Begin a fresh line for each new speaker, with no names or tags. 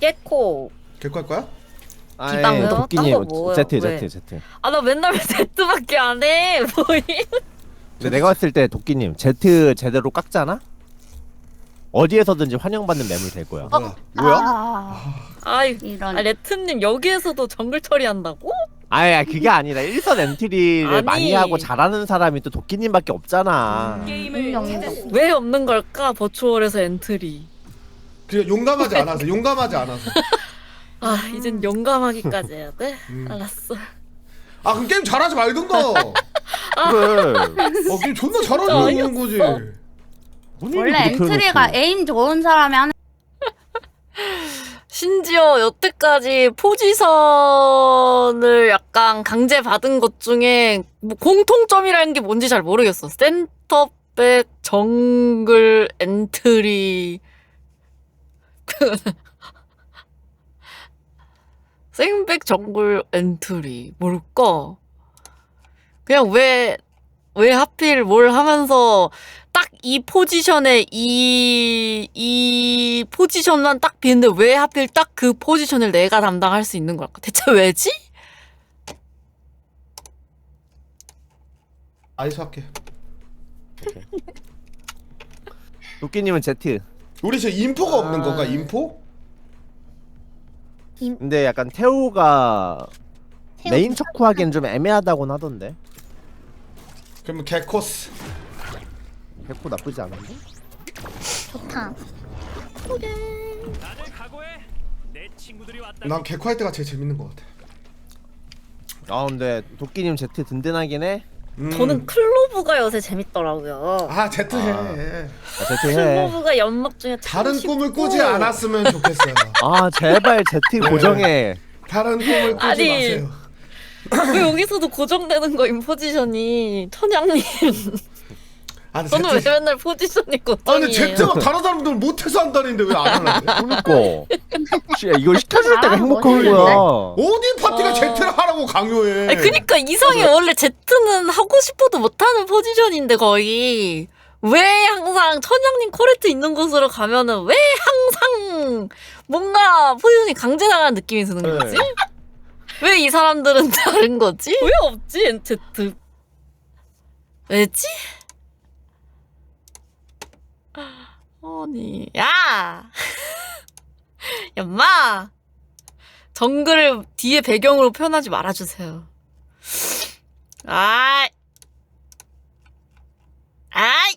깨코.
개코 할 거야?
기방도?
도끼님
딴거 뭐예요?
Z
왜?
Z.
아 나 맨날 왜 Z밖에 안 해. 뭐임?
근데 내가 봤을 때 도끼님 Z 제대로 깎잖아? 어디에서든지 환영받는 매물 될 거야.
뭐야?
아이
이런.
레트님 여기에서도 정글 처리한다고?
아야 그게 아니라 일선 엔트리를
아니.
많이 하고 잘하는 사람이 또 도끼님밖에 없잖아.
왜 없는 걸까? 버추얼에서 엔트리.
그냥 용감하지 않아서 용감하지 않아서.
아 이젠 용감하기까지 해야 돼?
음.
알았어.
아 그럼 게임 잘하지 말든가.
그래.
게임 존나 잘하는 거지.
원래 엔트리가 에임 좋은 사람이 하는.
심지어 여태까지 포지션을 약간 강제받은 것 중에 뭐 공통점이라는 게 뭔지 잘 모르겠어. 센터백, 정글, 엔트리. 생백, 정글, 엔트리. 뭘까? 그냥 왜 하필 뭘 하면서 딱 이 포지션에 이 포지션만 딱 비는데 왜 하필 딱 그 포지션을 내가 담당할 수 있는 걸까? 대체 왜지?
아이스 할게.
도끼님은 Z.
우리 지금 인포가 없는 건가? 인포?
근데 약간 태호가 메인 척후하기엔 좀 애매하다고는 하던데.
그러면 개코스.
백호 나쁘지 않은데?
좋다.
난 개코 할 때가 제일 재밌는 것 같아.
아 근데 도끼님 Z 든든하긴 해.
저는 클로브가 요새 재밌더라고요.
아 제트 해.
Z 해.
클로브가 연막 중에
다른
참
꿈을
쉽고.
꾸지 않았으면 좋겠어요.
아 제발 Z 고정해.
다른 꿈을 꾸지
아니,
마세요.
왜 여기서도 고정되는 거임 포지션이 천양님.
아, 근데
저는 왜
제트.
맨날 포지션이
아 근데
고정이에요?
제트가 다른 사람들 못해서 한다는데 왜 안 하려고?
그니까. 야, 이걸 시켜줄 때가
아,
행복한
멋있는데?
거야.
어디 파티가 제트를 하라고 강요해?
아니, 그니까 이상해. 원래 Z는 하고 싶어도 못하는 포지션인데 거의 왜 항상 천양님 코레트 있는 곳으로 가면은 왜 항상 뭔가 포지션이 강제당하는 느낌이 드는 거지?
네.
왜 이 사람들은 다른 거지? 왜 없지 Z? 왜지? 아니 야! 야마! 정글을 뒤에 배경으로 표현하지 말아주세요. 아이